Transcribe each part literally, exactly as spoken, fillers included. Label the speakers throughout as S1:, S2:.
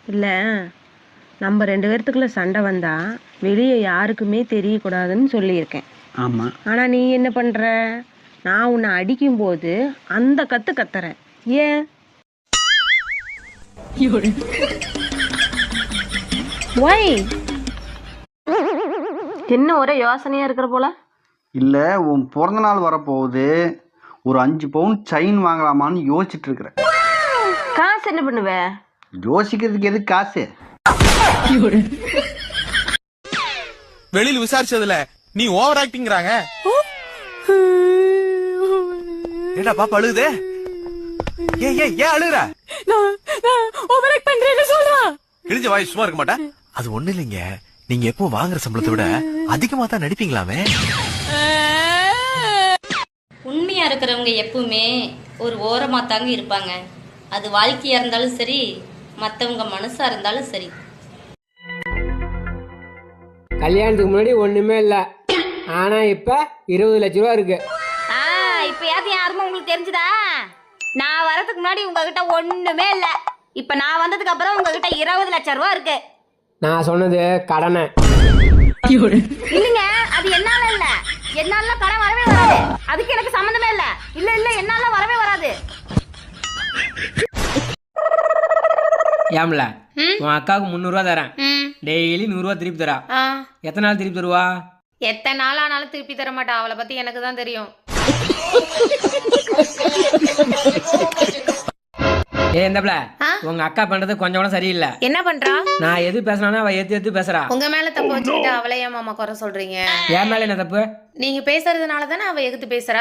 S1: இல்லை, நம்ம ரெண்டு பேர்த்துக்குள்ள சண்டை வந்தா வெளியே யாருக்குமே தெரியக்கூடாதுன்னு சொல்லியிருக்கேன்.
S2: ஆமாம்.
S1: ஆனால் நீ என்ன பண்ணுற? நான் உன்னை அடிக்கும்போது அந்த கத்து கத்துறேன். ஏன்? ஒய் என்ன ஒரே யோசனையாக இருக்கிற போல?
S2: இல்லை, உன் பிறந்த நாள் வரப்போகுது, ஒரு அஞ்சு பவுன் செயின் வாங்கலாமான்னு யோசிச்சுட்டு இருக்கிறேன்.
S1: காசு என்ன பண்ணுவ?
S2: யோசிக்கிறதுக்கு எது காசு?
S3: வெளியில விசாரிச்சதுல நீ ஓவர் ஆக்டிங்கிறாங்க. ஏடா பாப்பா அழுகுதே? ஏய் ஏய் ஏன் அழுகுற?
S4: நான் நான் ஓவர் ஆக்ட் பண்றேன்னு சொல்றா.
S3: கிழிஞ்ச வாய் சும்மா இருக்க மாட்டா? அது ஒண்ணு இல்லைங்க, நீங்க எப்போ வாங்குற சம்பளத்தை விட அதிகமா தான் நடிப்பீங்களாமே.
S5: உண்மையா இருக்கிறவங்க எப்பவுமே ஒரு ஓரமா தாங்க இருப்பாங்க. அது வாழ்க்கையா இருந்தாலும் சரி, மத்தவங்க மனசா இருந்தாலும் சரி.
S6: கல்யாணத்துக்கு முன்னாடி ஒண்ணுமே இல்ல, ஆனா இப்ப இருபது லட்ச ரூபா இருக்கு.
S7: இப்ப யாரு யாருமே உங்களுக்கு தெரிஞ்சுதா? நான் வரதுக்கு முன்னாடி உங்ககிட்ட ஒண்ணுமே இல்ல, இப்ப நான் வந்ததுக்கு அப்புறம் உங்ககிட்ட இருபது லட்சம் ரூபா இருக்கு.
S6: நான் சொன்னது கடனை
S7: இல்லைங்க, அது என்னால இல்ல. என்னால கடன் வரவே வராது, அதுக்கு எனக்கு சம்மந்தமே இல்ல. இல்ல இல்ல என்னால வரவே வராது.
S6: ஏம்ல உன் அக்காவுக்கு முந்நூறு ரூபா தரேன், டெய்லி நூறு ரூபா திருப்பி தரா. எத்தனை நாள் திருப்பி தருவா?
S8: எத்தனை நாள் ஆனாலும் திருப்பி தர மாட்டா. அவளை பத்தி எனக்கு தான் தெரியும்.
S6: ஏ இந்தப்ல, உங்க அக்கா பண்றது கொஞ்சம் கூட சரியில்லை.
S8: என்ன பண்றா?
S6: நான் எது பேசினா அவ ஏத்து ஏத்து பேசுறா.
S8: உங்க மேல தப்பு வச்சுக்கிட்டு அவளை ஏன் மாமா குறை சொல்றீங்க?
S6: என் மேல என்ன தப்பு?
S8: நீங்க பேசுறதுனால தானே அவ எகுத்து பேசுறா.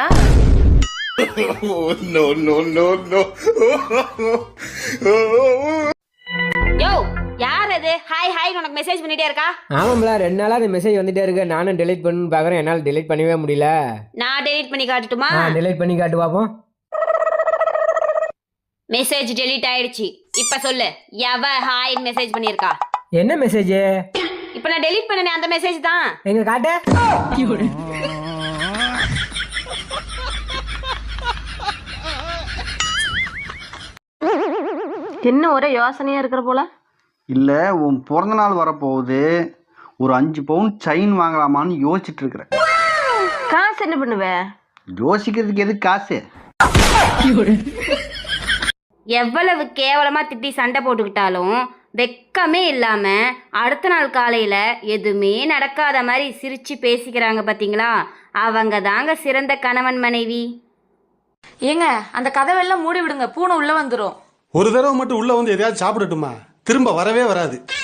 S7: யோ யார் அது ஹாய் ஹாய் உனக்கு மெசேஜ் பண்ணிட்டே இருக்கா?
S6: ஆமாம்ல, ரெண்டு நாளா அந்த மெசேஜ் வந்துட்டே இருக்கு. நானும் டெலீட் பண்ணு பாக்குறேன், என்னால டெலீட் பண்ணவே முடியல.
S7: நான் டெலீட் பண்ணி காட்டட்டுமா?
S6: டெலீட் பண்ணி காட்டு பாப்போம்.
S7: மெசேஜ் டெலீட் ஆயிடுச்சு. இப்ப சொல்லு, எவ ஹாய் மெசேஜ் பண்ணிருக்கா?
S6: என்ன மெசேஜ்?
S7: இப்ப நான் டெலீட் பண்ணனே அந்த மெசேஜ் தான்.
S6: எங்க காட்டு.
S1: என்ன ஒரே யோசனையாக இருக்கிற போல?
S2: இல்லை, உன் பிறந்த நாள் வரப்போகுது, ஒரு அஞ்சு பவுன் செயின் வாங்கலாமான்னு யோசிச்சுட்டு இருக்கிறேன்.
S1: காசு என்ன பண்ணுவ?
S2: யோசிக்கிறதுக்கு எது காசு?
S7: எவ்வளவு கேவலமா திட்டி சண்டை போட்டுக்கிட்டாலும் வெக்கமே இல்லாம அடுத்த நாள் காலையில எதுவுமே நடக்காத மாதிரி சிரிச்சு பேசிக்கிறாங்க பாத்தீங்களா? அவங்க தாங்க சிறந்த கணவன் மனைவி.
S4: ஏங்க அந்த கதவெல்லாம் மூடி விடுங்க, பூனை உள்ள வந்துரும்.
S9: ஒரு தடவை மட்டும் உள்ள வந்து எதையாவது சாப்பிடட்டுமா? திரும்ப வரவே வராது.